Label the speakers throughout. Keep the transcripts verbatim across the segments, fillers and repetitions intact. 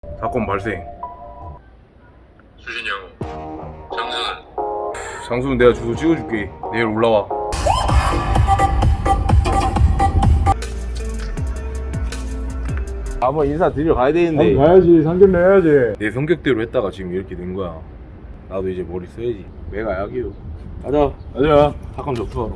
Speaker 1: 사건 발생.
Speaker 2: 수진이 형, 장승은?
Speaker 1: 장수는 내가 주소 찍어줄게. 내일 올라와. 한번 인사 드리러 가야 되는데
Speaker 3: 한번 가야지. 상견례 해야지.
Speaker 1: 내 성격대로 했다가 지금 이렇게 된 거야. 나도 이제 머리 써야지. 내가 약이요. 가자.
Speaker 3: 가자.
Speaker 1: 사건 접수하러.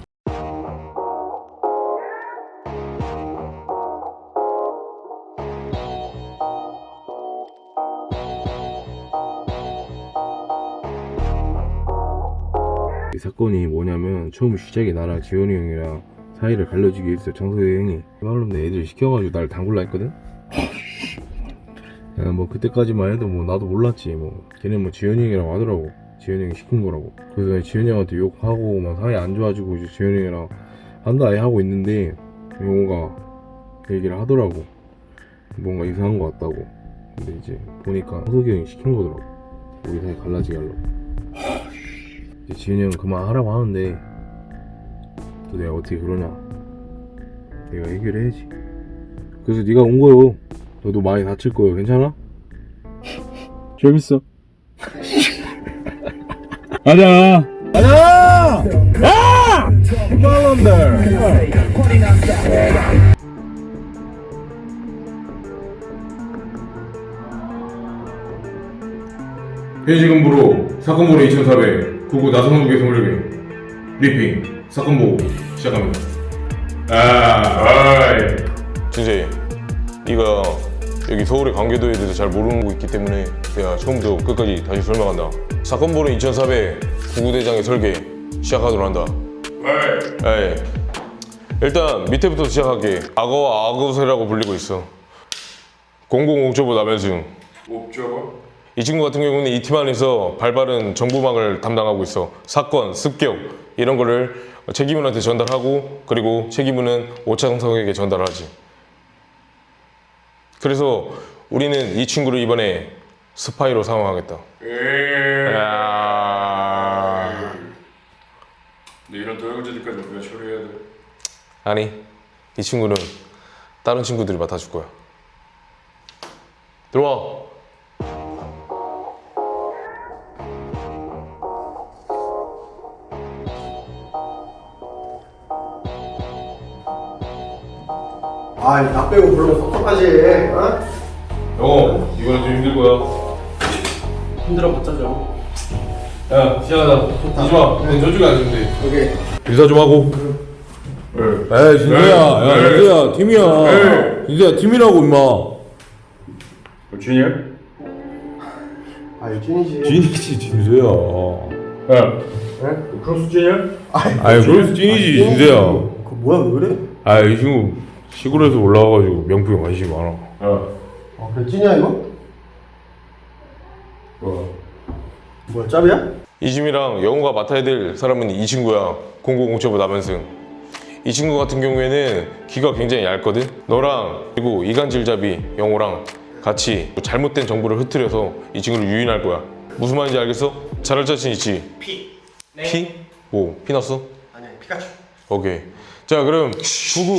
Speaker 1: 이 사건이 뭐냐면 처음 시작이 나랑 지원이 형이랑 사이를 갈라주기 위해서 장소희 형이 말로 내 애들 시켜가지고 날 당굴라 했거든? 야, 뭐 그때까지만 해도 뭐 나도 몰랐지. 뭐 걔네 뭐 지현이 형이라고 하더라고. 지현이 형이 시킨 거라고. 그래서 내가 지현이 형한테 욕하고 막 사이 안 좋아지고 이제 지현이 형이랑 한다 아예 하고 있는데 용호가 그 얘기를 하더라고. 뭔가 이상한 거 같다고. 근데 이제 보니까 호석이 형이 시킨 거더라고. 우리 사이 갈라지게 하려고. 이제 지현이 형은 그만하라고 하는데 또 내가 어떻게 그러냐. 내가 해결해야지. 그래서 네가 온 거요. 너도 많이 다칠 거예요. 괜찮아?
Speaker 3: 재밌어. 가자. 가자. 야! 빨런들.
Speaker 1: 현시금부로 사건번호 이천사백 구구 나성욱의 성물개 브리핑 사건 보고 시작합니다. 아, 아이.
Speaker 2: 진재, 네가 여기 서울의 관계도에 대해서 잘 모르는 거 있기 때문에 내가 처음부터 끝까지 다시 설명한다. 사건 번호 이천사백 구구대장의 설계 시작하도록 한다. 에이. 일단 밑에부터 시작할게. 악어와 악어새라고 불리고 있어. 공공옥저버 남현승.
Speaker 1: 옵저버?
Speaker 2: 이 친구 같은 경우는 이 팀 안에서 발바른 정보망을 담당하고 있어. 사건, 습격 이런 거를 책임원한테 전달하고 그리고 책임은 오창석에게 전달하지. 그래서 우리는 이 친구를 이번에 스파이로 사용하겠다. 야...
Speaker 3: 근데 이런 도형제들까지 우리가 처리해야 돼.
Speaker 2: 아니, 이 친구는 다른 친구들이 맡아줄 거야. 들어와.
Speaker 4: 아, 나 빼고 부르면 섭섭하지, 어?
Speaker 1: 어, 이번엔 좀 힘들 거야.
Speaker 4: 힘들어 못 자죠.
Speaker 1: 야, 시작하자. 이지마, 넌 저쪽에 앉으면 돼.
Speaker 4: 오케이.
Speaker 1: 인사 좀 하고.
Speaker 3: 에이 진서야. 야 진서야 팀이야. 진서야 팀이라고 임마.
Speaker 1: 준이야?
Speaker 4: 아, 유진이지.
Speaker 3: 진이지 진서야.
Speaker 1: 야,
Speaker 4: 네?
Speaker 1: 크로스 준이야?
Speaker 3: 아이 그래서 찐이지 진서야.
Speaker 4: 그 뭐야, 왜 그래?
Speaker 1: 아, 이 친구 시골에서 올라와가지고 명품에 관심이 많아. 야,
Speaker 4: 아, 그래, 찐이야, 이거?
Speaker 1: 뭐?
Speaker 4: 뭐야, 짭이야?
Speaker 2: 이짐이랑 영호가 맡아야 될 사람은 이 친구야. 공공옥저버 남현승. 이 친구 같은 경우에는 귀가 굉장히 얇거든. 너랑 그리고 이간질잡이 영호랑 같이 잘못된 정보를 흐트려서 이 친구를 유인할 거야. 무슨 말인지 알겠어? 잘할 자신 있지?
Speaker 4: 피. 네.
Speaker 2: 피? 뭐? 피 났어?
Speaker 4: 아니, 피카츄.
Speaker 2: 오케이. 자, 그럼 구구.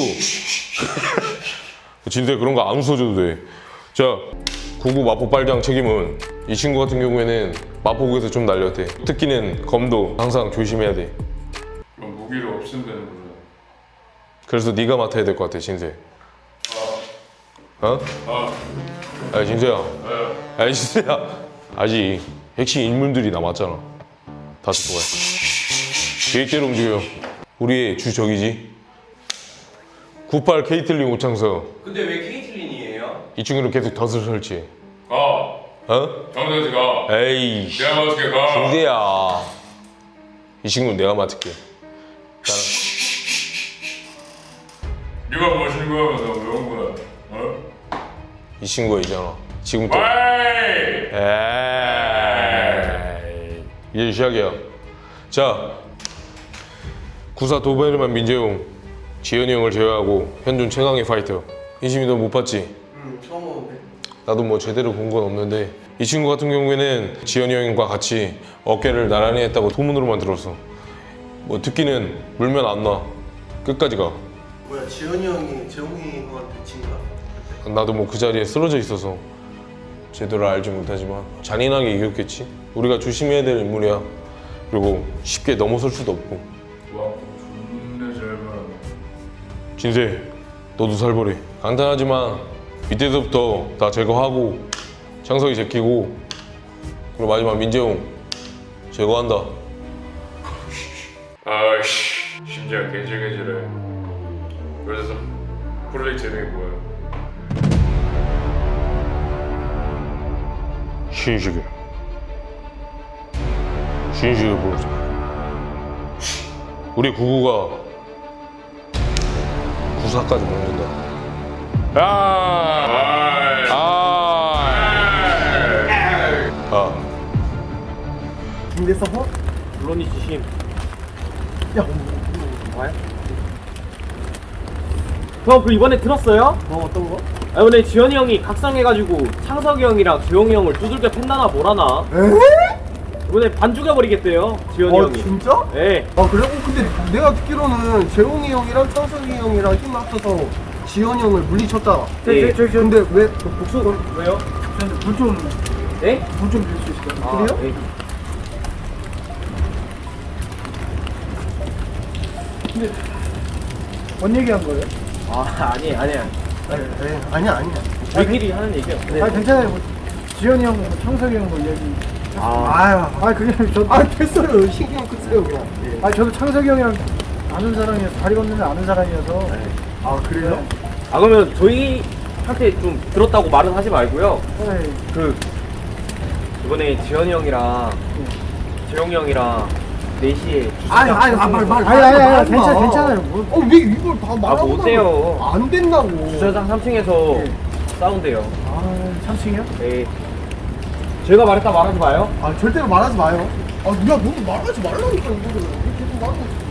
Speaker 2: 진짜 그런 거 안 웃어줘도 돼. 자, 구구 마포 빨장 책임은 이 친구 같은 경우에는 마포구에서 좀 날렸대. 특기는 검도 항상 조심해야 돼.
Speaker 3: 그럼 무기를 없애면 되는 거잖아.
Speaker 2: 그래서 네가 맡아야 될 것 같아, 진세. 어?
Speaker 3: 아.
Speaker 2: 아, 진세야. 아, 진세야. 아직 핵심 인물들이 남았잖아. 다섯 거야. 계획대로 움직여. 우리의 주적이지. 구십팔 케이틀린 오창석.
Speaker 5: 근데 왜 케이틀린이에요?
Speaker 2: 이 친구는 계속 덫을 설치해.
Speaker 3: 가.
Speaker 2: 어?
Speaker 3: 장사지 가.
Speaker 2: 에이.
Speaker 3: 내가 어떻게 가.
Speaker 2: 진세야. 이 친구는 내가 맡을게. 나는
Speaker 3: 네가 멋있는 거야, 나 외운 거야. 어?
Speaker 2: 이 친구가 이잖아. 지금부터.
Speaker 3: 에이.
Speaker 2: 에이. 이제 시작이야. 자, 구사 도베르만 민재용, 지현이 형을 제외하고 현존 최강의 파이터. 인심이 너 못 봤지?
Speaker 4: 응, 처음 오는데.
Speaker 2: 나도 뭐 제대로 본 건 없는데 이 친구 같은 경우에는 지현이 형과 같이 어깨를 나란히 했다고 소문으로만 들었어. 뭐 듣기는 물면 안 나. 끝까지 가.
Speaker 4: 뭐야, 지현이 형이 재홍이 형한테 친 거야?
Speaker 2: 나도 뭐 그 자리에 쓰러져 있어서 제대로 알지 못하지만 잔인하게 이겼겠지. 우리가 조심해야 될 인물이야. 그리고 쉽게 넘어설 수도 없고.
Speaker 3: 와 존나 잘 봐.
Speaker 2: 진세, 너도 살벌해. 간단하지만 밑에서부터 다 제거하고 창석이 제끼고 그리고 마지막 민재용 제거한다.
Speaker 3: 아이씨 심장 개질개질해. 그래서 플레이 제목이 뭐야?
Speaker 2: 신식이 신식이 부르자. 우리 구구가 구사까지 먹는다. 아, 아, 아.
Speaker 4: 준비했어? 뭐?
Speaker 5: 물론이지 심.
Speaker 4: 야,
Speaker 5: 뭐야? 형, 그 이번에 들었어요?
Speaker 4: 뭐 어떤 거?
Speaker 5: 아, 이번에 지현이 형이 각성해가지고 창석이 형이랑 조용히 형을 두들겨 팬다나 뭐라나.
Speaker 4: 에?
Speaker 5: 이번에 반 죽여버리겠대요, 지현이
Speaker 4: 어,
Speaker 5: 형이.
Speaker 4: 진짜?
Speaker 5: 예.
Speaker 4: 아 그래? 어, 근데 내가 듣기로는 재홍이 형이랑 창석이 형이랑 힘 합쳐서 지현이 형을 물리쳤잖아.
Speaker 5: 예.
Speaker 4: 저, 저, 근데 왜
Speaker 5: 복수, 왜요?
Speaker 4: 물좀
Speaker 5: 예?
Speaker 4: 물좀 줄 수 있을까요?
Speaker 5: 아,
Speaker 4: 그래요?
Speaker 5: 예.
Speaker 4: 뭔 얘기한 거예요?
Speaker 5: 아, 아니, 아니야.
Speaker 4: 아니, 아니, 아니야 아니야.
Speaker 5: 우리끼리 하는 얘기야. 네.
Speaker 6: 아 괜찮아요. 뭐, 지현이 형, 뭐, 창석이 형 뭐 얘기.
Speaker 5: 아,
Speaker 4: 아유,
Speaker 6: 아 그냥 저,
Speaker 4: 아 됐어요. 신경 끄세요 그냥. 예.
Speaker 6: 아 저도 창석이 형이랑 아는 사람이어서 다리 건너면 아는 사람이어서.
Speaker 4: 아 그래요?
Speaker 5: 아, 그러면 저희한테 좀 들었다고 말은 하지 말고요.
Speaker 6: 네.
Speaker 5: 그, 이번에 지현이 형이랑 재용이 형이랑 네 시에
Speaker 4: 아니 아니 아말말
Speaker 6: 아니 아니 아니 괜찮아 괜찮아요. 뭐.
Speaker 4: 어왜 이걸 다 말하고
Speaker 5: 못해요.
Speaker 4: 안 된다고.
Speaker 5: 주차장 삼 층에서 싸운대요.
Speaker 6: 아 삼 층이요?
Speaker 5: 네. 제가 말했다 말하지 마요.
Speaker 4: 아 절대로 말하지 마요. 아 야 너도 말하지 말라니까 이거를 왜 계속 말하고 있어.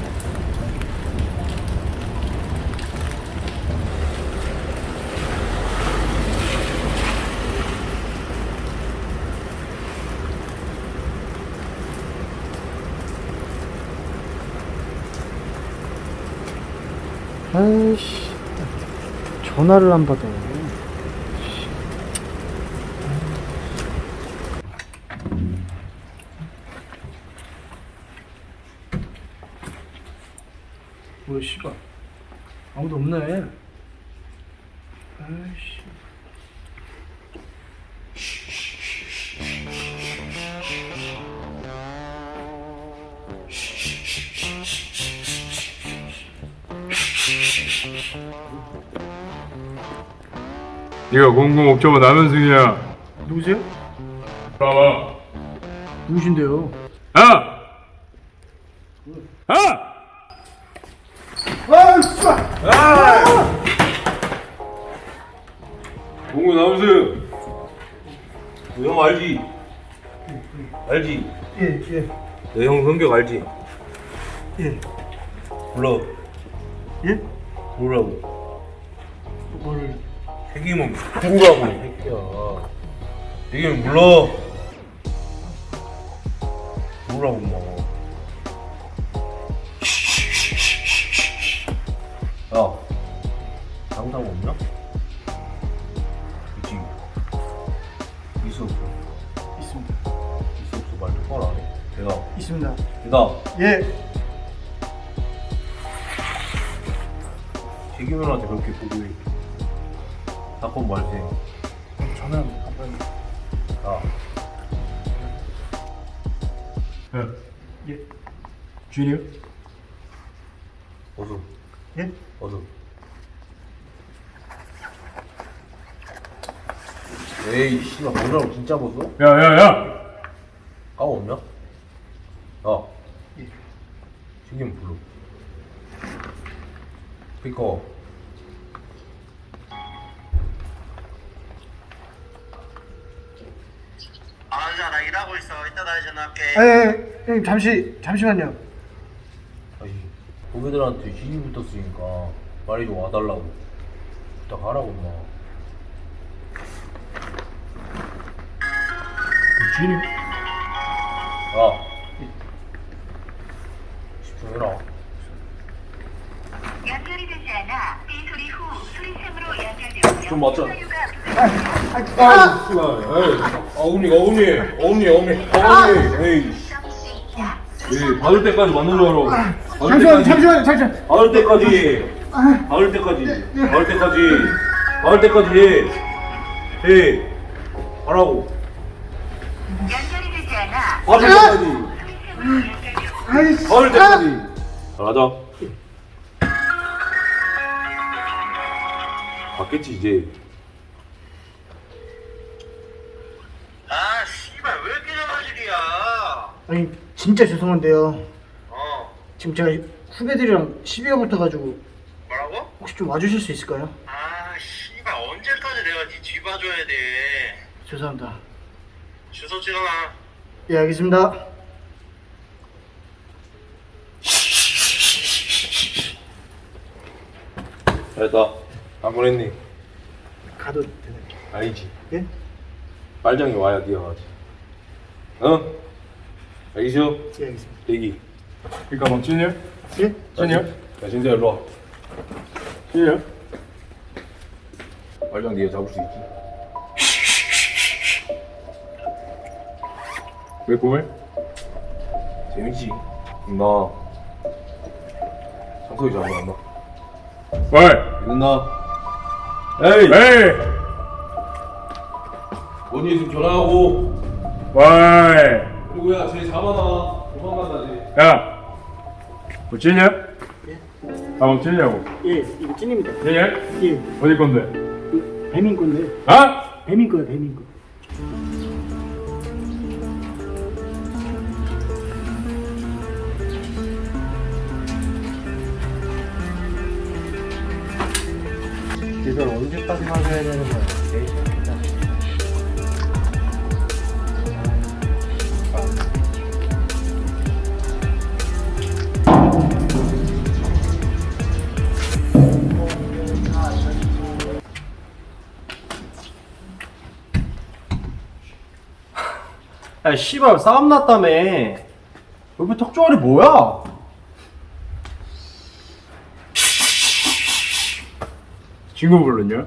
Speaker 6: 아이씨 전화를 안 받아. 뭐야 씨발 아무도 없네. 아이씨.
Speaker 3: 네가 공공 옥저버 남현승이야.
Speaker 6: 누구세요?
Speaker 3: 봐봐.
Speaker 6: 누구신데요?
Speaker 3: 아! 아!
Speaker 4: 아 씨발.
Speaker 3: 공공 남현승.
Speaker 2: 형 알지? 알지?
Speaker 4: 예 예.
Speaker 2: 내 형 성격 알지?
Speaker 4: 예.
Speaker 2: 불러.
Speaker 4: 예?
Speaker 2: 부르라고.
Speaker 4: 뭐를?
Speaker 2: 책임은 누구라고 이 새끼야. 책임은 불러. 부르라고 뭐. 야, 장사가 없냐? 그치? 있어 없어?
Speaker 6: 있습니다.
Speaker 2: 있어 없어 말 똑바로 안 해? 대답.
Speaker 6: 있습니다.
Speaker 2: 대답.
Speaker 6: 예.
Speaker 2: 책임형한테 그렇게 보고해. 사건 말세.
Speaker 6: 전화 안 받네.
Speaker 2: 야,
Speaker 3: 야,
Speaker 6: 예. 주인이요?
Speaker 2: 어서.
Speaker 6: 예?
Speaker 2: 어서. 에이, 씨발, 뭐라고 진짜 벗어?
Speaker 3: 야, 야, 야.
Speaker 2: 까고 없냐? 야. 책임 불러. 스피커.
Speaker 7: 아니야 나 일하고 있어 이따 다시 전화할게.
Speaker 6: 아, 예, 예. 형님 잠시 잠시만요.
Speaker 2: 아니, 고객들한테 시비 붙었으니까 빨리 좀 와달라고. 부탁하라고, 엄마.
Speaker 6: 주인이
Speaker 2: 야. 집중해라.
Speaker 8: 연결이 되지 않아 이 소리 후 소리샘으로 연결되어
Speaker 5: 좀 맞죠?
Speaker 8: 전화료가 부과됩니다.
Speaker 3: 아, 어금니, 어금니, 어금니, 어금니, 어금니, 에이. 예, 받을 때까지 맞는 줄 알아.
Speaker 6: 잠시만요, 잠시만요, 잠시만요.
Speaker 3: 받을 때까지, 받을 때까지, 받을 때까지, 받을 때까지 해. 해. 하라고.
Speaker 8: 연결이 되지 않아.
Speaker 3: 받을 때까지. 받을 때까지. 잘하자. 받겠지 이제.
Speaker 7: 아 씨발 왜 이렇게 저가질이야.
Speaker 6: 아니 진짜 죄송한데요.
Speaker 7: 어
Speaker 6: 지금 제가 후배들이랑 시비가 붙어가지고
Speaker 7: 뭐라고?
Speaker 6: 혹시 좀 와주실 수 있을까요?
Speaker 7: 아 씨발 언제까지 내가 니 뒤봐줘야 돼.
Speaker 6: 죄송합니다.
Speaker 7: 주소 찍어놔.
Speaker 6: 예, 알겠습니다.
Speaker 3: 잘했다. 안 보냈니?
Speaker 6: 가도 되나요?
Speaker 3: 아니지.
Speaker 6: 예?
Speaker 3: 빨장이 와야 네가 가지. 어? 알겠죠?
Speaker 6: 예, 알겠습니다.
Speaker 3: 대기. 그니까 뭐 찐이야?
Speaker 6: 예?
Speaker 3: 찐이야? 야 진짜 일로 와. 찐이야? 빨장 네가 잡을 수 있지. 왜 고해? 재밌지. 나 상석이 잡으러 간다. 왜? 누나. 에이. 에이. 언니 있으면 전화하고. 왜? 누구야? 쟤 잡아놔. 도망간다 쟤. 야. 뭐 찐이야?
Speaker 6: 예?
Speaker 3: 아, 뭐 찐이냐고?
Speaker 6: 예, 이거 찐입니다.
Speaker 3: 찐이야?
Speaker 6: 예,
Speaker 3: 어디 건데?
Speaker 6: 그 배민 건데.
Speaker 3: 아?
Speaker 6: 배민 거야, 배민 거.
Speaker 4: 이걸 언제까지 맞아야 되는 거야? 네 시간이다.
Speaker 5: 야 씨발 싸움 났다며. 여기 턱종아리 뭐야?
Speaker 3: 친구 불렀냐?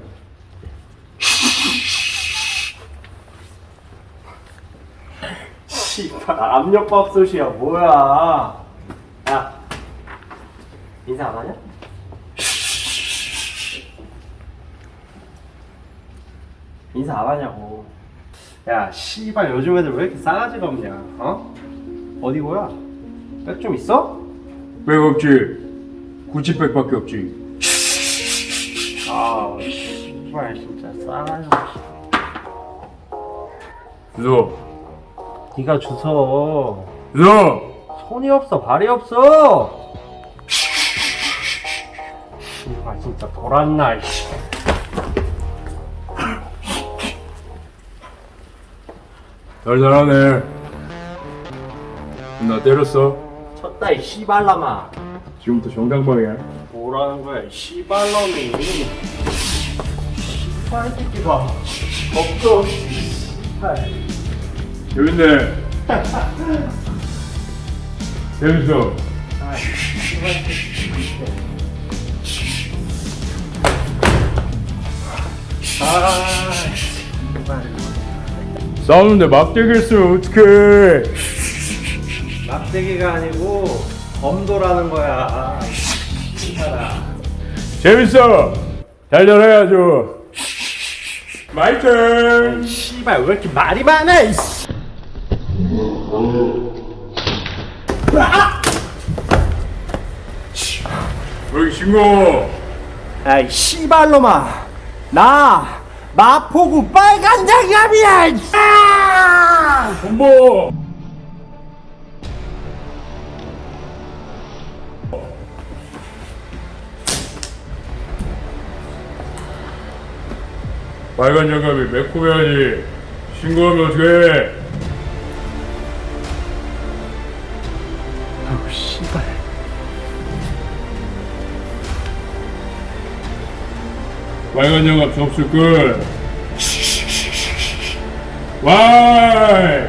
Speaker 5: 씨발 압력밥솥이야 뭐야. 야 인사 안 하냐? 인사 안 하냐고. 야 씨발 요즘 애들 왜 이렇게 싸가지가 없냐. 어? 어디 뭐야? 백 좀 있어?
Speaker 3: 백 없지. 구찌백밖에 없지.
Speaker 5: 아 씨발 진짜 싸가지.
Speaker 3: 주소.
Speaker 5: 네가 주워.
Speaker 3: 주소.
Speaker 5: 손이 없어 발이 없어. 씨발 진짜 돌았나. 씨.
Speaker 3: 잘 잘하네. 나 때렸어.
Speaker 5: 쳤다 이 씨발놈아.
Speaker 3: 지금부터 정당방이야.
Speaker 5: 뭐라는 거야 이 씨발놈이. 씨발 새끼가 겁도 없이 씨발.
Speaker 3: 재밌네. 재밌어.
Speaker 5: 아 씨발 새끼. 아 씨발.
Speaker 3: 싸우는데 막대기 쓰면 어떡해.
Speaker 5: 막대기가 아니고 검도라는 거야. 씨발아.
Speaker 3: 재밌어. 잘 잘해야죠. 마이 턴.
Speaker 5: 씨발 왜 이렇게 말이 많아 이씨.
Speaker 3: 왜 이렇게 싱거워?
Speaker 5: 야이 씨발놈아 나 마포구 빨간 장갑이야. 아!
Speaker 3: 본보. 빨간 장갑이 매콤해야지. 싱거우면 어떡해.
Speaker 5: 아우 씨발.
Speaker 3: 빨간 장갑 접수 끝. 와이.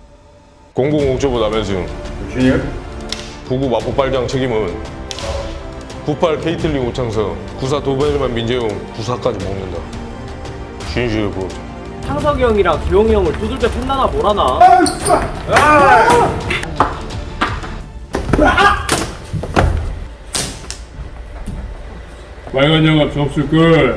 Speaker 2: 공공목적부 남현승.
Speaker 3: 진이야?
Speaker 2: 부구 마포 빨장 책임은 구십팔 케이틀린 오창석, 구십사 도베르만 민재용, 구십사까지 먹는다. 진실을 보여줘.
Speaker 5: 창석이 형이랑 지용이 형을 두들겨 팬나나 뭐라나.
Speaker 3: 빨간 장갑 접수 끝.